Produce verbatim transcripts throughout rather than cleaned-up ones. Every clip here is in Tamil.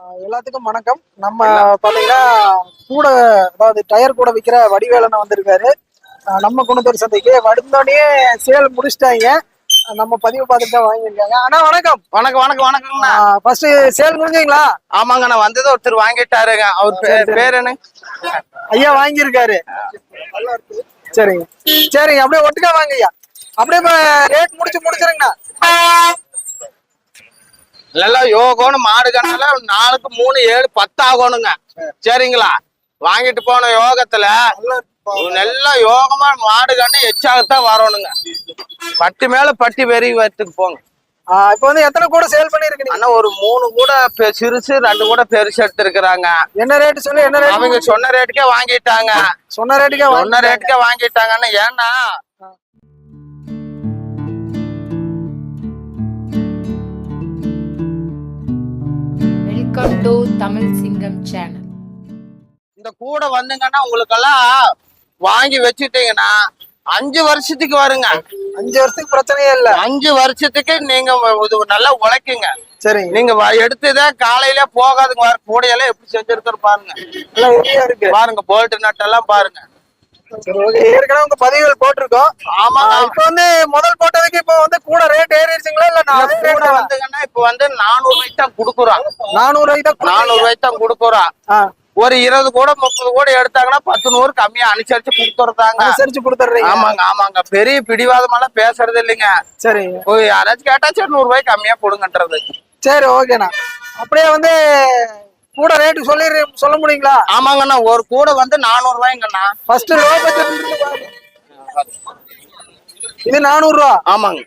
எல்லாத்துக்கும் வணக்கம். நம்ம பாத்தீங்கன்னா கூட அதாவது டயர் கூட விற்கிற வடிவேலன் வந்திருக்காரு நம்ம குணத்தூர் சந்தைக்கு. வந்தோடனே சேல் முடிச்சிட்டாங்க. நம்ம பதிவு பார்த்துட்டு தான் வாங்கியிருக்காங்க. ஆனா வணக்கம். வணக்கம் வணக்கம் வணக்கம்ண்ணா. ஃபர்ஸ்ட் சேல் முடிஞ்சீங்களா? ஆமாங்க, நான் வந்தது ஒருத்தர் வாங்கிட்டாருங்க. அவர் பேர் என்ன? ஐயா வாங்கியிருக்காரு. சரிங்க சரிங்க, அப்படியே ஒட்டுக்கா வாங்க ஐயா. அப்படியே ரேட் முடிச்சு முடிச்சிருங்கண்ணா. நல்லா யோகோன்னு மாடுகனால நாலுக்கு மூணு ஏழு பத்து ஆகணுங்க. சரிங்களா? வாங்கிட்டு போன யோகத்துல நல்லா யோகமா மாடுகன்னு எச்சாகத்தான் வரணுங்க. பட்டி மேல பட்டி வெறி வரத்துக்கு போங்க. இப்ப வந்து எத்தனை கூட சேல் பண்ணிருக்கீங்க? ஆனா ஒரு மூணு கூட சிறுசு, ரெண்டு கூட பெருசு எடுத்திருக்கிறாங்க. என்ன ரேட் சொல்லி என்ன ரேட்? அவங்க சொன்ன ரேட்டுக்கே வாங்கிட்டாங்க. சொன்ன ரேட்டுக்கே சொன்ன ரேட்டுக்கே வாங்கிட்டாங்கன்னு. ஏன்னா வெல்கம் டு தமிழ் சிங்கம் சேனல். இந்த கூட வந்துங்கன்னா உங்களுக்கெல்லாம் வாங்கி வச்சுட்டீங்கன்னா அஞ்சு வருஷத்துக்கு வருங்க. அஞ்சு வருஷத்துக்கு பிரச்சனையே இல்ல. அஞ்சு வருஷத்துக்கு நீங்க நல்லா உழைக்குங்க. சரி, நீங்க எடுத்துதான் காலையில போகாதுங்க. வர கூடையெல்லாம் எப்படி செஞ்சிருக்கிற பாருங்க. பாருங்க போல்ட் நட்டெல்லாம் பாருங்க. ஏற்கனவே உங்க பதிவுகள் போட்டிருக்கோம். ஆமா, இப்ப வந்து முதல் போட்டதுக்கு இப்ப வந்து கூட ரேட் ஏறிடுச்சுங்களா? இல்ல கூட வந்துங்கன்னா இப்ப வந்து நானூறு ரூபாய்க்கு தான் குடுக்குறோம். நானூறு ரூபாய்க்கு தான் நானூறு ரூபாய்க்கு தான் குடுக்குறோம். ஒரு இருபது கூட முப்பது கூட எடுத்தாங்கன்னா பத்து நூறு கம்மியா அனுசரிச்சு கொடுத்துறதாங்க. அனுசரிச்சு கொடுத்துறீங்க? ஆமாங்க ஆமாங்க. பெரிய பிடிவாதமெல்லாம் பேசுறது இல்லைங்க. சரி, யாராச்சும் கேட்டா சரி நூறு ரூபாய்க்கு கம்மியா கொடுங்கன்றது. சரி ஓகேண்ணா. அப்படியே வந்து கூட ரேட்டு சொல்லி சொல்ல முடியுங்களா? ஆமாங்கண்ணா, ஒரு கூட வந்து நானூறு ரூபாய்ங்கண்ணா. ஃபர்ஸ்ட் லோ பட்ஜெட் இது நானூறு ரூபா. ஆமாங்க.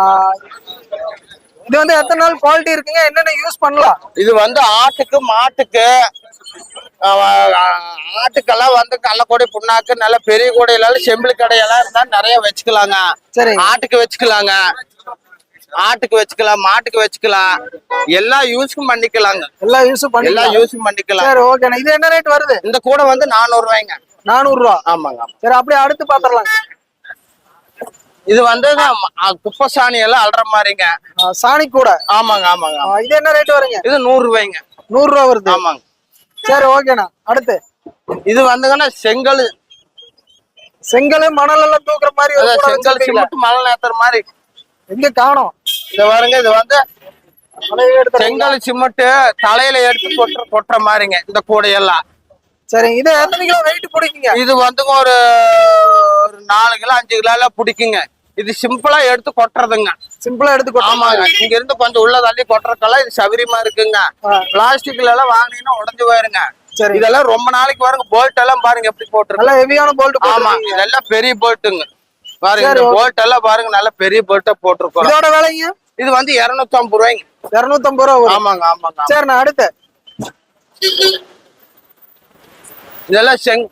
இது வந்து எத்தனை நாள் குவாலிட்டி இருக்குங்க? என்னென்ன யூஸ் பண்ணலாம்? இது வந்து ஆட்டுக்கு மாட்டுக்கு ஆட்டுக்கெல்லாம் வந்து கள்ளக்கொடை புண்ணாக்கு நல்ல பெரிய கூடையில செம்பிளி கடையெல்லாம் இருந்தா நிறைய வச்சுக்கலாங்க. சரி, ஆட்டுக்கு வச்சுக்கலாங்க, ஆட்டுக்கு வச்சுக்கலாம், மாட்டுக்கு வச்சுக்கலாம், எல்லா யூஸும் பண்ணிக்கலாங்க. எல்லா யூஸும் பண்ணி எல்லா யூஸும் பண்ணிக்கலாம். சரி ஓகேண்ணா. இது என்ன ரேட் வருது? இந்த கூட வந்து நானூறு ரூபாய்ங்க. நானூறு ரூபா. ஆமாங்க. சரி, அப்படியே அடுத்து பாத்திரலாம். இது வந்து குப்பை சாணி எல்லாம் அல்ற மாதிரிங்க. சாணி கூட. ஆமாங்க ஆமாங்க. இது என்ன ரேட் வருங்க? இது நூறு ரூபாய்ங்க. நூறு ரூபா வருது. ஆமாங்க. சரி ஓகேண்ணா. அடுத்து இது வந்துங்கன்னா செங்கல். செங்கல் மணல் எல்லாம் தூக்குற மாதிரி. செங்கல் சிமெண்ட் மணல் ஏத்துற மாதிரி. எங்க காணோம்? இத பாருங்க, இது வந்து செங்கல் சிமெண்ட் தலையில எடுத்து கொட்டுற கொட்டுற மாதிரிங்க இந்த கூடையெல்லாம். சரி, இது எத்தனை கிலோ வெயிட் பிடிக்குங்க? இது வந்து ஒரு நாலு கிலோ அஞ்சு கிலோ எல்லாம் பிடிக்குங்க. இது சிம்பிளா எடுத்து கொட்டுறதுங்க. சிம்பிளா எடுத்து கொட்டுறோம். ஆமாங்க. இங்க இருந்து கொஞ்சம் உள்ள தள்ளி கொட்டுறதுக்கெல்லாம் இது சௌகரியமா இருக்குங்க. பிளாஸ்டிக்ல எல்லாம் வாங்கினீங்கன்னா உடஞ்சு போயிருங்க. சரி, இதெல்லாம் ரொம்ப நாளைக்கு பாருங்க. போல்ட் எல்லாம் பாருங்க எப்படி போட்டுருக்கு. நல்ல ஹெவியான போல்ட். ஆமா, இதெல்லாம் பெரிய போல்ட்டுங்க. பாருங்க இந்த போல்ட் எல்லாம் பாருங்க, நல்ல பெரிய போல்ட்டா போட்டிருக்கோம். இதோட விலைங்க? இது வந்து இருநூத்தி ஐம்பது ரூபாய்ங்க. இருநூத்தி ஐம்பது ரூபா. ஆமாங்க ஆமாங்க. சரி, நான் அடுத்து இதெல்லாம் செங்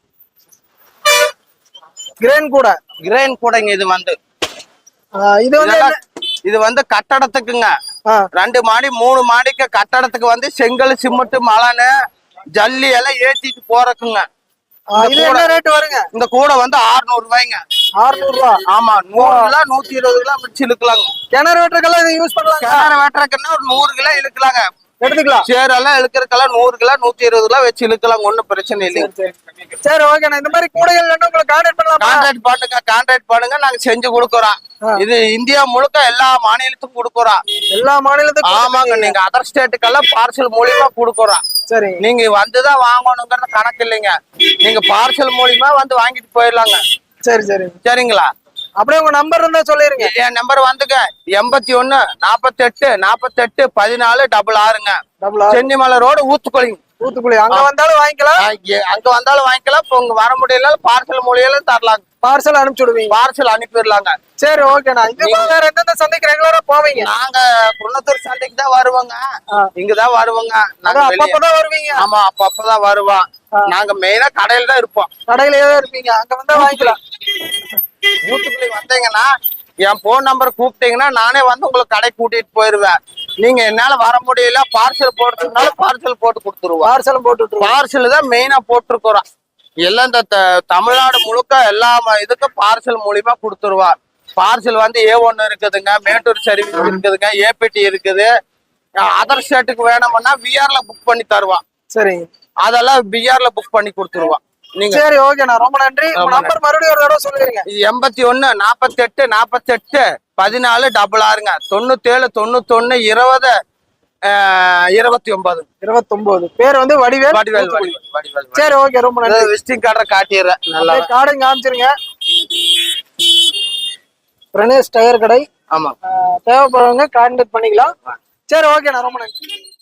கிரேன் கூட. கிரேன் கூடைங்க. இது வந்து இது வந்து இது வந்து கட்டடத்துக்குங்க. ரெண்டு மாடி மூணு மாடிக்கு கட்டடத்துக்கு வந்து செங்கல் சிமெண்ட் மலனு ஜல்லி எல்லாம் ஏத்திட்டு போறதுக்குங்க. இது என்ன ரேட் வருங்க? இந்த கூடை வந்து அறுநூறு ரூபாய்ங்க. அறுநூறு ரூபா. ஆமா, நூறு கிலோ நூத்தி இருபது கிலோ மிச்சு இழுக்கலாங்க. கிணறு வெட்டுறதுக்கெல்லாம் இதை யூஸ் பண்ணலாம். கிணறு வெட்டுறதுக்குன்னா ஒரு நூறு கிலோ இழுக்கலாங்க. எடுத்துக்கலாம். சேரெல்லாம் இழுக்கிறதுக்கெல்லாம் நூறு கிலோ நூத்தி இருபது கிலோ வச்சு இழுக்கலாம். ஒன்னும் பிரச்சனை இல்லைங்க. சரி ஓகேண்ணா. இந்த மாதிரி கூடைகள் உங்களை கான்டாக்ட் பண்ணலாம். கான்டாக்ட் பண்ணுங்க, கான்டாக்ட் பண்ணுங்க. நாங்க செஞ்சு கொடுக்குறோம். இது இந்தியா முழுக்க எல்லா மாநிலத்துக்கும் கொடுக்குறோம். எல்லா மாநிலத்துக்கும்? ஆமாங்க. நீங்க அதர் ஸ்டேட்டுக்கெல்லாம் பார்சல் மூலியமா கொடுக்குறோம். சரி, நீங்க வந்துதான் வாங்கணுங்கிறது கணக்கு இல்லைங்க. நீங்க பார்சல் மூலியமா வந்து வாங்கிட்டு போயிடலாங்க. சரி சரி சரிங்களா? அப்படியே உங்க நம்பர் இருந்தா சொல்லிருங்க. என் நம்பர் வந்துங்க எண்பத்தி ஒண்ணு நாப்பத்தி எட்டு நாப்பத்தி எட்டு பதினாலு டபுள் ஆறுங்க. சென்னிமலை ரோடு, ஊத்துக்குளி. ஊத்துக்குளி. அங்க வந்தாலும் வாங்கிக்கலாம், அங்க வந்தாலும் வாங்கிக்கலாம். இப்போ உங்க வர முடியல பார்சல் மூலியமா தரலாம். பார்சல் அனுப்பிச்சு விடுவீங்க? பார்சல் அனுப்பிடலாங்க. சரி ஓகேண்ணா. இது வேற எந்தெந்த சந்தைக்கு ரெகுலரா போவீங்க? நாங்க குன்னத்தூர் சந்தைக்கு தான் வருவோங்க. இங்கதான் வருவோங்க. அப்பதான் வருவீங்க? ஆமா, அப்பப்பதான் வருவோம். நாங்க மெயினா கடையில தான் இருப்போம். கடையிலேயே தான் இருப்பீங்க? அங்க வந்தா வாங்கிக்கலாம். ஊத்துக்குளி வந்தீங்கன்னா என் போன் நம்பர் கூப்பிட்டீங்கன்னா நானே வந்து உங்களுக்கு கடை கூட்டிட்டு போயிருவேன். நீங்க என்னால வர முடியல பார்சல் போடுறதுனால பார்சல் போட்டு கொடுத்துருவோம். பார்சல் போட்டு பார்சல் தான் மெயினா போட்டிருக்கிறோம். எல்லாம் இந்த தமிழ்நாடு முழுக்க எல்லா இதுக்கும் பார்சல் மூலியமா கொடுத்துருவா. பார்சல் வந்து ஏ ஒன்னு இருக்குதுங்க, மேட்டூர் சர்வீஸ் இருக்குதுங்க, ஏபிடி இருக்குது, அதர் ஸ்டேட்டுக்கு வேணும்னா விஆர்ல புக் பண்ணி தருவான். சரிங்க. அதெல்லாம் பிஆர்ல புக் பண்ணி கொடுத்துருவான். நீங்க சரி, ஓகேண்ணா, ரொம்ப நன்றி. நம்பர் மறுபடியும் ஒரு தடவை சொல்லிருங்க. எண்பத்தி ஒண்ணு நாப்பத்தி எட்டு நாப்பத்தி எட்டு பதினாலு டபுள் ஆறுங்க. தொண்ணூத்தி ஏழு தொண்ணூத்தி ஒண்ணு இருபது இருபத்தி ஒன்பது இருபத்தி ஒன்பது. பேர் வந்து வடிவேல். வடிவேல் வடிவேல். சரி, ஓகே, ரொம்ப நன்றி. விசிட்டிங் கார்டை காட்டிடுறேன். நல்லா கார்டையும் காமிச்சிருங்க. பிரணேஷ் டயர் கடை. ஆமா, தேவைப்படுறவங்க கான்டாக்ட் பண்ணிக்கலாம். சரி, ஓகேண்ணா, ரொம்ப நன்றி.